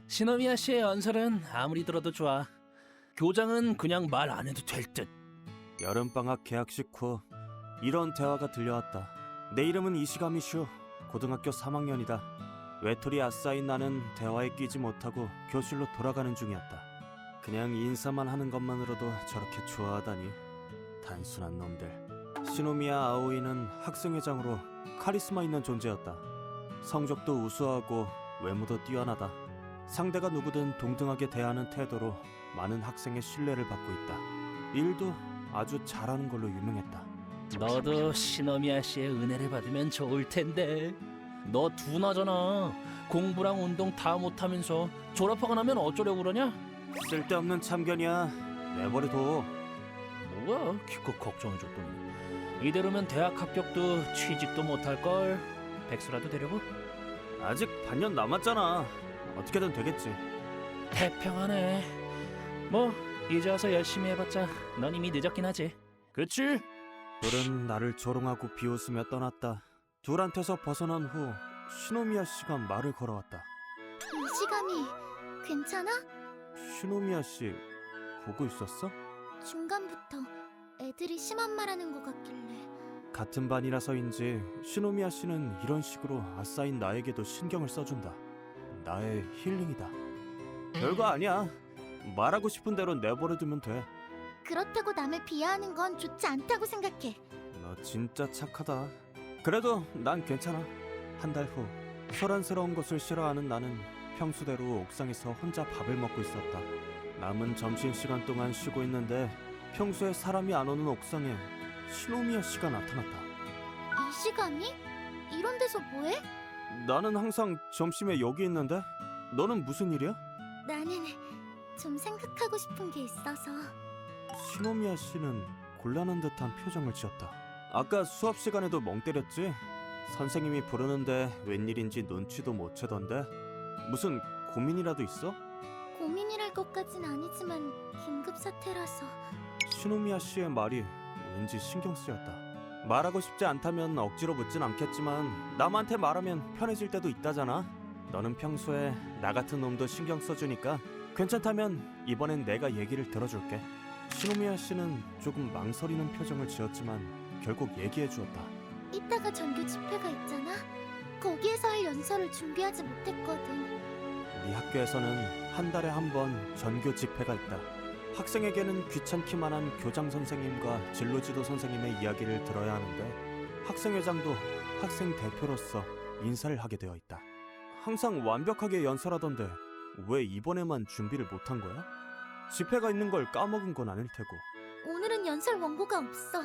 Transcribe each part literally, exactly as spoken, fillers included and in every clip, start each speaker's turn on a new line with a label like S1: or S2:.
S1: 시노미야 씨의 연설은 아무리 들어도 좋아. 교장은 그냥 말 안 해도 될 듯.
S2: 여름방학 개학식 후 이런 대화가 들려왔다. 내 이름은 이시가미슈. 고등학교 삼 학년이다. 외톨이 아싸인 나는 대화에 끼지 못하고 교실로 돌아가는 중이었다. 그냥 인사만 하는 것만으로도 저렇게 좋아하다니. 단순한 놈들. 시노미야 아오이는 학생회장으로 카리스마 있는 존재였다. 성적도 우수하고 외모도 뛰어나다. 상대가 누구든 동등하게 대하는 태도로 많은 학생의 신뢰를 받고 있다. 일도 아주 잘하는 걸로 유명했다.
S1: 너도 시노미야 씨의 은혜를 받으면 좋을 텐데. 너 둔하잖아. 공부랑 운동 다 못하면서 졸업하고 나면 어쩌려고 그러냐?
S2: 쓸데없는 참견이야. 내버려둬.
S1: 뭐야, 기껏 걱정해줬더니. 이대로면 대학 합격도 취직도 못할걸. 백수라도 되려고?
S2: 아직 반년 남았잖아. 어떻게든 되겠지.
S1: 태평하네. 뭐 이제 와서 열심히 해봤자 넌 이미 늦었긴 하지. 그치?
S2: 둘은 나를 조롱하고 비웃으며 떠났다. 둘한테서 벗어난 후 시노미야 씨가 말을 걸어왔다.
S3: 이시감이 괜찮아?
S2: 시노미야 씨 보고 있었어?
S3: 중간부터 애들이 심한 말하는 것 같길래.
S2: 같은 반이라서인지 시노미야 씨는 이런 식으로 아싸인 나에게도 신경을 써준다. 나의 힐링이다. 별거 아니야. 말하고 싶은 대로 내버려두면 돼.
S3: 그렇다고 남을 비하하는 건 좋지 않다고 생각해.
S2: 너 진짜 착하다. 그래도 난 괜찮아. 한 달 후 소란스러운 것을 싫어하는 나는 평소대로 옥상에서 혼자 밥을 먹고 있었다. 남은 점심시간 동안 쉬고 있는데 평소에 사람이 안 오는 옥상에 시노미야 씨가 나타났다.
S3: 이시감이? 이런 데서 뭐해?
S2: 나는 항상 점심에 여기 있는데 너는 무슨 일이야?
S3: 나는 좀 생각하고 싶은 게 있어서.
S2: 시노미야 씨는 곤란한 듯한 표정을 지었다. 아까 수업 시간에도 멍 때렸지? 선생님이 부르는데 웬일인지 눈치도 못 채던데 무슨 고민이라도 있어?
S3: 고민이랄 것까진 아니지만 긴급 사태라서.
S2: 시노미야 씨의 말이 왠지 신경 쓰였다. 말하고 싶지 않다면 억지로 묻진 않겠지만 남한테 말하면 편해질 때도 있다잖아. 너는 평소에 나 같은 놈도 신경 써주니까 괜찮다면 이번엔 내가 얘기를 들어줄게. 시노미야 씨는 조금 망설이는 표정을 지었지만 결국 얘기해 주었다.
S3: 이따가 전교 집회가 있잖아. 거기에서 할 연설을 준비하지 못했거든.
S2: 우리 학교에서는 한 달에 한 번 전교 집회가 있다. 학생에게는 귀찮기만 한 교장 선생님과 진로지도 선생님의 이야기를 들어야 하는데 학생회장도 학생 대표로서 인사를 하게 되어 있다. 항상 완벽하게 연설하던데 왜 이번에만 준비를 못한 거야? 집회가 있는 걸 까먹은 건 아닐 테고.
S3: 오늘은 연설 원고가 없어.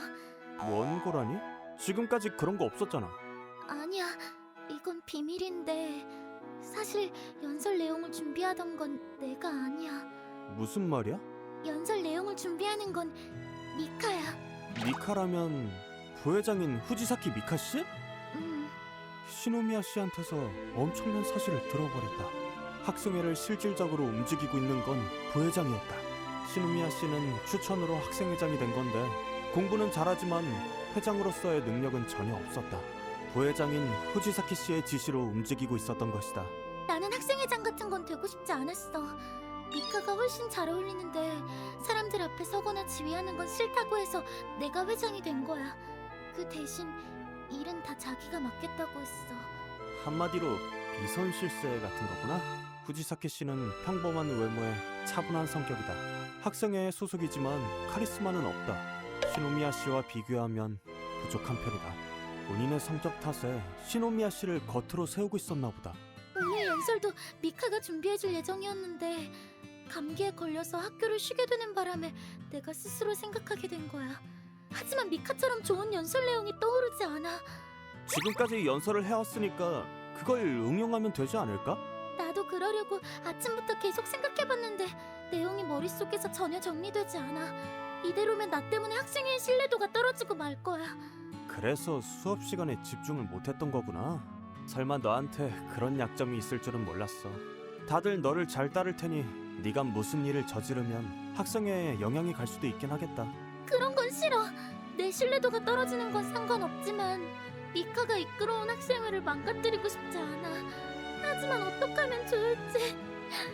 S2: 원고라니? 지금까지 그런 거 없었잖아.
S3: 아니야, 이건 비밀인데 사실 연설 내용을 준비하던 건 내가 아니야.
S2: 무슨 말이야?
S3: 연설 내용을 준비하는 건 미카야.
S2: 미카라면 부회장인 후지사키 미카 씨?
S3: 음,
S2: 시노미야 씨한테서 엄청난 사실을 들어버렸다. 학생회를 실질적으로 움직이고 있는 건 부회장이었다. 시노미야 씨는 추천으로 학생회장이 된 건데 공부는 잘하지만 회장으로서의 능력은 전혀 없었다. 부회장인 후지사키 씨의 지시로 움직이고 있었던 것이다.
S3: 나는 학생회장 같은 건 되고 싶지 않았어. 미카가 훨씬 잘 어울리는데 사람들 앞에 서거나 지휘하는 건 싫다고 해서 내가 회장이 된 거야. 그 대신 일은 다 자기가 맡겠다고 했어.
S2: 한마디로 비선실세 같은 거구나. 후지사키 씨는 평범한 외모에 차분한 성격이다. 학생회에 소속이지만 카리스마는 없다. 시노미야 씨와 비교하면 부족한 편이다. 본인의 성적 탓에 시노미야 씨를 겉으로 세우고 있었나 보다.
S3: 오늘 연설도 미카가 준비해줄 예정이었는데 감기에 걸려서 학교를 쉬게 되는 바람에 내가 스스로 생각하게 된 거야. 하지만 미카처럼 좋은 연설 내용이 떠오르지 않아.
S2: 지금까지 연설을 해왔으니까 그걸 응용하면 되지 않을까?
S3: 나도 그러려고 아침부터 계속 생각해봤는데 내용이 머릿속에서 전혀 정리되지 않아. 이대로면 나 때문에 학생회의 신뢰도가 떨어지고 말 거야.
S2: 그래서 수업 시간에 집중을 못했던 거구나. 설마 너한테 그런 약점이 있을 줄은 몰랐어. 다들 너를 잘 따를 테니 네가 무슨 일을 저지르면 학생회에 영향이 갈 수도 있긴 하겠다.
S3: 그런 건 싫어. 내 신뢰도가 떨어지는 건 상관없지만 미카가 이끌어온 학생회를 망가뜨리고 싶지 않아. 하지만 어떡하면 좋을지.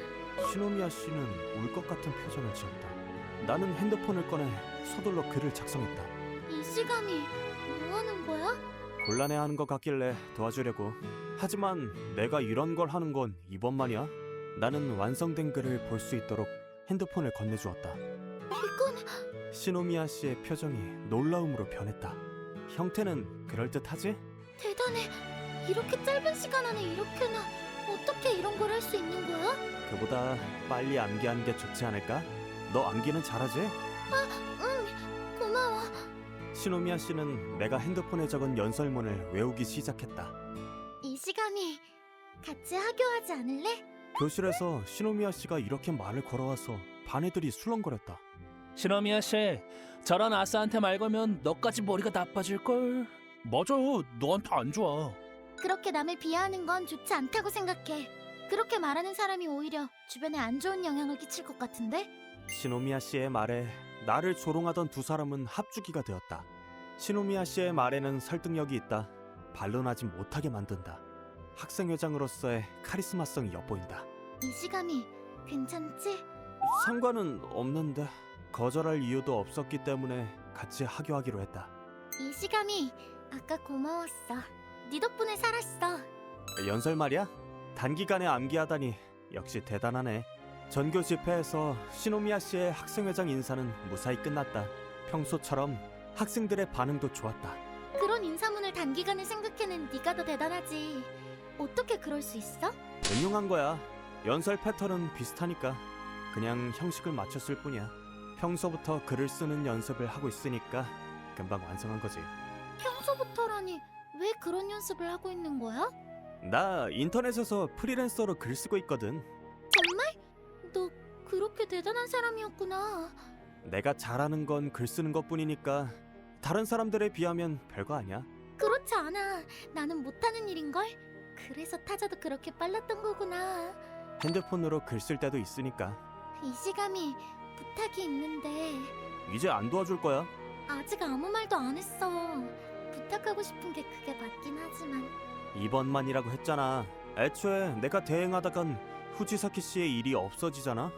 S2: 시노미야 씨는 울 것 같은 표정을 지었다. 나는 핸드폰을 꺼내 서둘러 글을 작성했다.
S3: 이시감이 뭐 하는 거야?
S2: 곤란해하는 것 같길래 도와주려고. 하지만 내가 이런 걸 하는 건 이번만이야. 나는 완성된 글을 볼 수 있도록 핸드폰을 건네주었다.
S3: 이건
S2: 시노미야 씨의 표정이 놀라움으로 변했다. 형태는 그럴듯하지?
S3: 대단해. 이렇게 짧은 시간 안에 이렇게나 어떻게 이런 걸 할 수 있는 거야?
S2: 그보다 빨리 암기하는 게 좋지 않을까? 너 암기는 잘하지?
S3: 응, 고마워.
S2: 시노미야 씨는 내가 핸드폰에 적은 연설문을 외우기 시작했다.
S3: 이시감이 같이 하교하지 않을래?
S2: 교실에서 시노미야 씨가 이렇게 말을 걸어와서 반 애들이 술렁거렸다.
S1: 시노미야 씨, 저런 아싸한테 말 걸면 너까지 머리가 나빠질걸. 맞아, 너한테 안 좋아.
S3: 그렇게 남을 비하하는 건 좋지 않다고 생각해. 그렇게 말하는 사람이 오히려 주변에 안 좋은 영향을 끼칠 것 같은데?
S2: 시노미야 씨의 말에 나를 조롱하던 두 사람은 합주기가 되었다. 시노미야 씨의 말에는 설득력이 있다. 반론하지 못하게 만든다. 학생회장으로서의 카리스마성이 엿보인다.
S3: 이시감이 괜찮지?
S2: 상관은 없는데 거절할 이유도 없었기 때문에 같이 하교하기로 했다.
S3: 이시감이 아까 고마웠어. 네 덕분에 살았어.
S2: 연설 말이야? 단기간에 암기하다니 역시 대단하네. 전교 집회에서 시노미야 씨의 학생회장 인사는 무사히 끝났다. 평소처럼 학생들의 반응도 좋았다.
S3: 그런 인사문을 단기간에 생각해낸 네가 더 대단하지. 어떻게 그럴 수 있어?
S2: 응용한 거야. 연설 패턴은 비슷하니까 그냥 형식을 맞췄을 뿐이야. 평소부터 글을 쓰는 연습을 하고 있으니까 금방 완성한 거지.
S3: 평소부터라니 왜 그런 연습을 하고 있는 거야?
S2: 나 인터넷에서 프리랜서로 글 쓰고 있거든.
S3: 정말? 너 그렇게 대단한 사람이었구나.
S2: 내가 잘하는 건 글 쓰는 것뿐이니까 다른 사람들에 비하면 별거 아니야.
S3: 그렇지 않아. 나는 못하는 일인걸? 그래서 타자도 그렇게 빨랐던 거구나.
S2: 핸드폰으로 글 쓸 때도 있으니까.
S3: 이시감이 부탁이 있는데
S2: 이제 안 도와줄 거야.
S3: 아직 아무 말도 안 했어. 부탁하고 싶은 게 그게 맞긴 하지만
S2: 이번만이라고 했잖아. 애초에 내가 대행하다간 후지사키 씨의 일이 없어지잖아.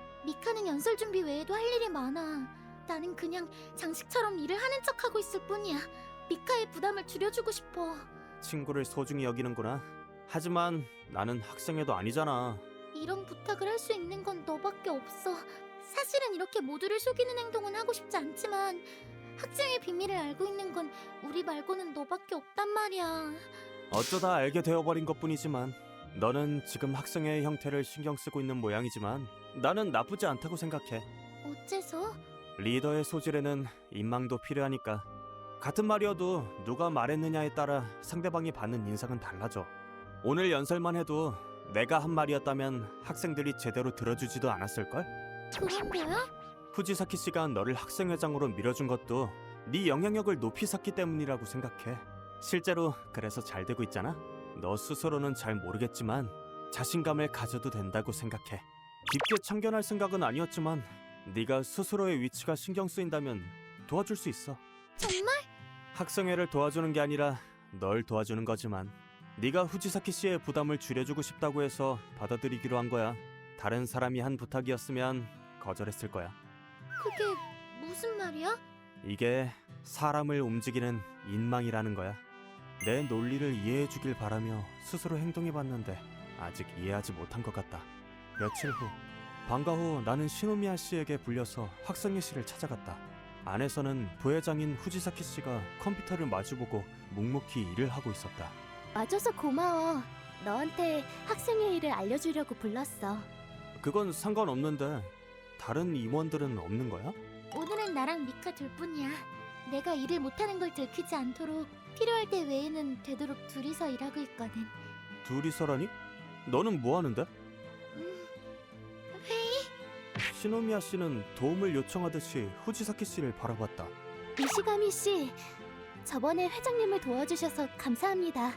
S3: 미카는 연설 준비 외에도 할 일이 많아. 나는 그냥 장식처럼 일을 하는 척하고 있을 뿐이야. 미카의 부담을 줄여주고 싶어.
S2: 친구를 소중히 여기는구나. 하지만 나는 학생회도 아니잖아.
S3: 이런 부탁을 할 수 있는 건 너밖에 없어. 사실은 이렇게 모두를 속이는 행동은 하고 싶지 않지만 학생의 비밀을 알고 있는 건 우리 말고는 너밖에 없단 말이야.
S2: 어쩌다 알게 되어버린 것뿐이지만 너는 지금 학생회의 형태를 신경 쓰고 있는 모양이지만 나는 나쁘지 않다고 생각해.
S3: 어째서?
S2: 리더의 소질에는 인망도 필요하니까. 같은 말이어도 누가 말했느냐에 따라 상대방이 받는 인상은 달라져. 오늘 연설만 해도 내가 한 말이었다면 학생들이 제대로 들어주지도 않았을걸?
S3: 그런 거야?
S2: 후지사키 씨가 너를 학생회장으로 밀어준 것도 네 영향력을 높이 샀기 때문이라고 생각해. 실제로 그래서 잘 되고 있잖아. 너 스스로는 잘 모르겠지만 자신감을 가져도 된다고 생각해. 깊게 참견할 생각은 아니었지만 네가 스스로의 위치가 신경 쓰인다면 도와줄 수 있어.
S3: 정말?
S2: 학생회를 도와주는 게 아니라 널 도와주는 거지만 네가 후지사키 씨의 부담을 줄여주고 싶다고 해서 받아들이기로 한 거야. 다른 사람이 한 부탁이었으면 거절했을 거야.
S3: 그게 무슨 말이야?
S2: 이게 사람을 움직이는 인망이라는 거야. 내 논리를 이해해 주길 바라며 스스로 행동해봤는데 아직 이해하지 못한 것 같다. 며칠 후 방과 후 나는 시노미야 씨에게 불려서 학생회실을 찾아갔다. 안에서는 부회장인 후지사키 씨가 컴퓨터를 마주보고 묵묵히 일을 하고 있었다.
S3: 와줘서 고마워. 너한테 학생회 일을 알려주려고 불렀어.
S2: 그건 상관없는데 다른 임원들은 없는 거야?
S3: 오늘은 나랑 미카 둘뿐이야. 내가 일을 못하는 걸 들키지 않도록 필요할 때 외에는 되도록 둘이서 일하고 있거든.
S2: 둘이서라니? 너는 뭐 하는데?
S3: 음, 회의?
S2: 시노미야 씨는 도움을 요청하듯이 후지사키 씨를 바라봤다.
S3: 이시가미 씨, 저번에 회장님을 도와주셔서 감사합니다.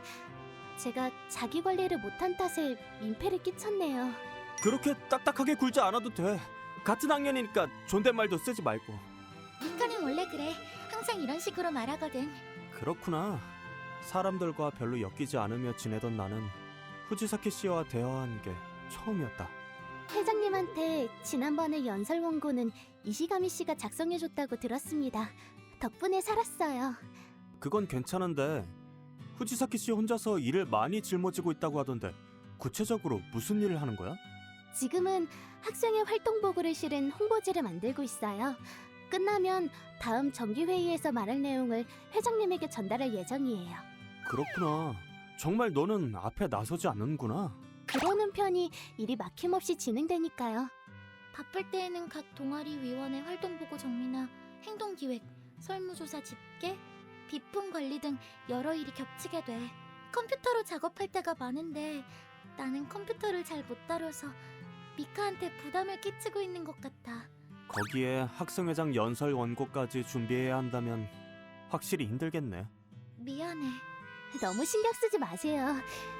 S3: 제가 자기 관리를 못한 탓에 민폐를 끼쳤네요.
S2: 그렇게 딱딱하게 굴지 않아도 돼. 같은 학년이니까 존댓말도 쓰지 말고.
S3: 미카는 원래 그래. 항상 이런 식으로 말하거든.
S2: 그렇구나. 사람들과 별로 엮이지 않으며 지내던 나는 후지사키 씨와 대화한 게 처음이었다.
S3: 회장님한테 지난번에 연설 원고는 이시가미 씨가 작성해줬다고 들었습니다. 덕분에 살았어요.
S2: 그건 괜찮은데 후지사키 씨 혼자서 일을 많이 짊어지고 있다고 하던데 구체적으로 무슨 일을 하는 거야?
S3: 지금은 학생의 활동보고를 실은 홍보지를 만들고 있어요. 끝나면 다음 정기회의에서 말할 내용을 회장님에게 전달할 예정이에요.
S2: 그렇구나. 정말 너는 앞에 나서지 않는구나.
S3: 그러는 편이 일이 막힘없이 진행되니까요. 바쁠 때에는 각 동아리 위원회 활동보고 정리나 행동기획, 설무조사 집계, 비품 관리 등 여러 일이 겹치게 돼. 컴퓨터로 작업할 때가 많은데 나는 컴퓨터를 잘 못 다뤄서 미카한테 부담을 끼치고 있는 것 같아.
S2: 거기에 학생회장 연설 원고까지 준비해야 한다면 확실히 힘들겠네.
S3: 미안해. 너무 신경 쓰지 마세요.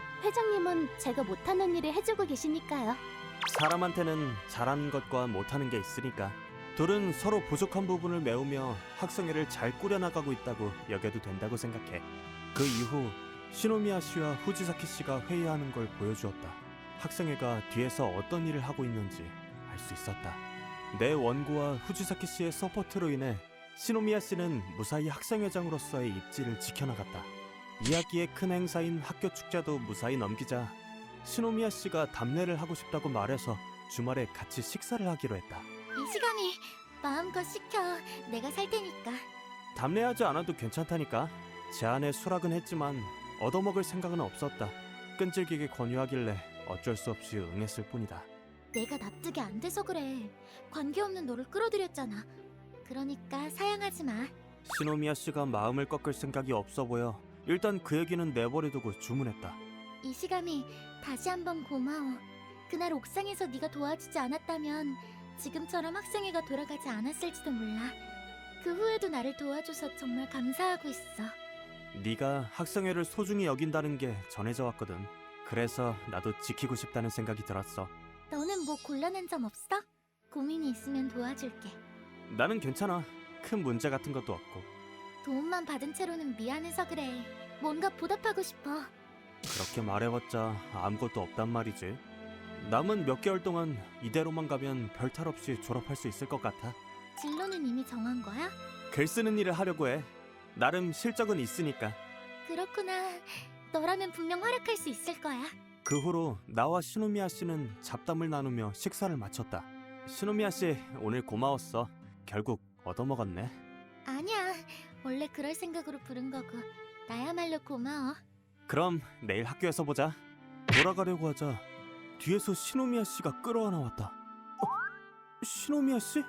S3: 회장님은 제가 못하는 일을 해주고 계시니까요.
S2: 사람한테는 잘하는 것과 못하는 게 있으니까 둘은 서로 부족한 부분을 메우며 학생회를 잘 꾸려나가고 있다고 여겨도 된다고 생각해. 그 이후 시노미야 씨와 후지사키 씨가 회의하는 걸 보여주었다. 학생회가 뒤에서 어떤 일을 하고 있는지 알 수 있었다. 내 원고와 후지사키 씨의 서포트로 인해 시노미야 씨는 무사히 학생회장으로서의 입지를 지켜나갔다. 이야기의 큰 행사인 학교 축제도 무사히 넘기자 시노미야 씨가 답례를 하고 싶다고 말해서 주말에 같이 식사를 하기로 했다.
S3: 이 시간이 마음껏 시켜. 내가 살 테니까.
S2: 답례하지 않아도 괜찮다니까. 제안에 수락은 했지만 얻어먹을 생각은 없었다. 끈질기게 권유하길래 어쩔 수 없이 응했을 뿐이다.
S3: 내가 납득이 안 돼서 그래. 관계없는 너를 끌어들였잖아. 그러니까 사양하지 마.
S2: 시노미야 씨가 마음을 꺾을 생각이 없어 보여 일단 그 얘기는 내버려두고 주문했다.
S3: 이시감이 다시 한번 고마워. 그날 옥상에서 네가 도와주지 않았다면 지금처럼 학생회가 돌아가지 않았을지도 몰라. 그 후에도 나를 도와줘서 정말 감사하고 있어.
S2: 네가 학생회를 소중히 여긴다는 게 전해져 왔거든. 그래서 나도 지키고 싶다는 생각이 들었어.
S3: 너는 뭐 곤란한 점 없어? 고민이 있으면 도와줄게.
S2: 나는 괜찮아. 큰 문제 같은 것도 없고.
S3: 도움만 받은 채로는 미안해서 그래. 뭔가 보답하고 싶어.
S2: 그렇게 말해봤자 아무것도 없단 말이지. 남은 몇 개월 동안 이대로만 가면 별탈 없이 졸업할 수 있을 것 같아.
S3: 진로는 이미 정한 거야?
S2: 글 쓰는 일을 하려고 해. 나름 실적은 있으니까.
S3: 그렇구나. 너라면 분명 활약할 수 있을 거야.
S2: 그 후로 나와 시노미야 씨는 잡담을 나누며 식사를 마쳤다. 시노미야 씨, 오늘 고마웠어. 결국 얻어먹었네.
S3: 아니야. 원래 그럴 생각으로 부른 거고. 나야말로 고마워.
S2: 그럼 내일 학교에서 보자. 돌아가려고 하자 뒤에서 시노미야 씨가 끌어안아 왔다. 어? 시노미야 씨?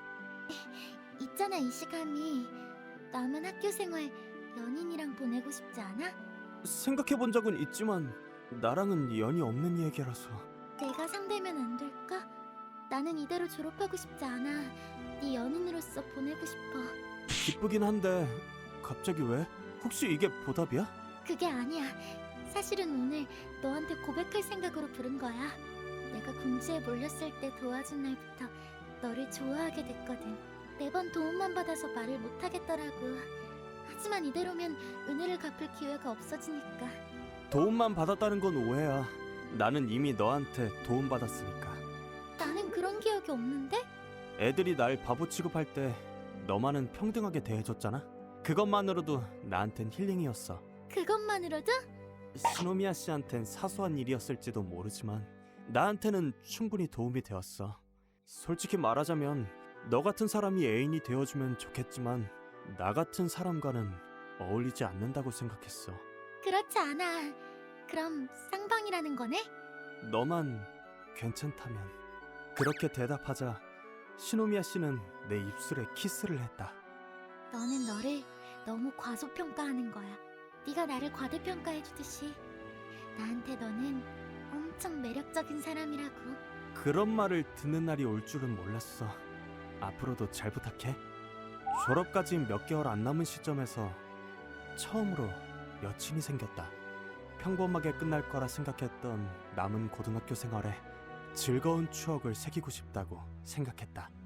S3: 있잖아, 이시감이. 남은 학교 생활 연인이랑 보내고 싶지 않아?
S2: 생각해본 적은 있지만 나랑은 연이 없는 얘기라서.
S3: 내가 상대면 안 될까? 나는 이대로 졸업하고 싶지 않아. 네 연인으로서 보내고 싶어.
S2: 기쁘긴 한데 갑자기 왜? 혹시 이게 보답이야?
S3: 그게 아니야. 사실은 오늘 너한테 고백할 생각으로 부른 거야. 내가 궁지에 몰렸을 때 도와준 날부터 너를 좋아하게 됐거든. 매번 도움만 받아서 말을 못하겠더라고. 하지만 이대로면 은혜를 갚을 기회가 없어지니까.
S2: 도움만 받았다는 건 오해야. 나는 이미 너한테 도움받았으니까.
S3: 나는 그런 기억이 없는데?
S2: 애들이 날 바보 취급할 때 너만은 평등하게 대해줬잖아. 그것만으로도 나한텐 힐링이었어.
S3: 그것만으로도?
S2: 시노미야 씨한텐 사소한 일이었을지도 모르지만 나한테는 충분히 도움이 되었어. 솔직히 말하자면 너 같은 사람이 애인이 되어주면 좋겠지만 나 같은 사람과는 어울리지 않는다고 생각했어.
S3: 그렇지 않아. 그럼 쌍방이라는 거네?
S2: 너만 괜찮다면. 그렇게 대답하자 시노미야 씨는 내 입술에 키스를 했다.
S3: 너는 너를 너무 과소평가하는 거야. 네가 나를 과대평가해주듯이 나한테 너는 엄청 매력적인 사람이라고.
S2: 그런 말을 듣는 날이 올 줄은 몰랐어. 앞으로도 잘 부탁해. 졸업까지 몇 개월 안 남은 시점에서 처음으로 여친이 생겼다. 평범하게 끝날 거라 생각했던 남은 고등학교 생활에 즐거운 추억을 새기고 싶다고 생각했다.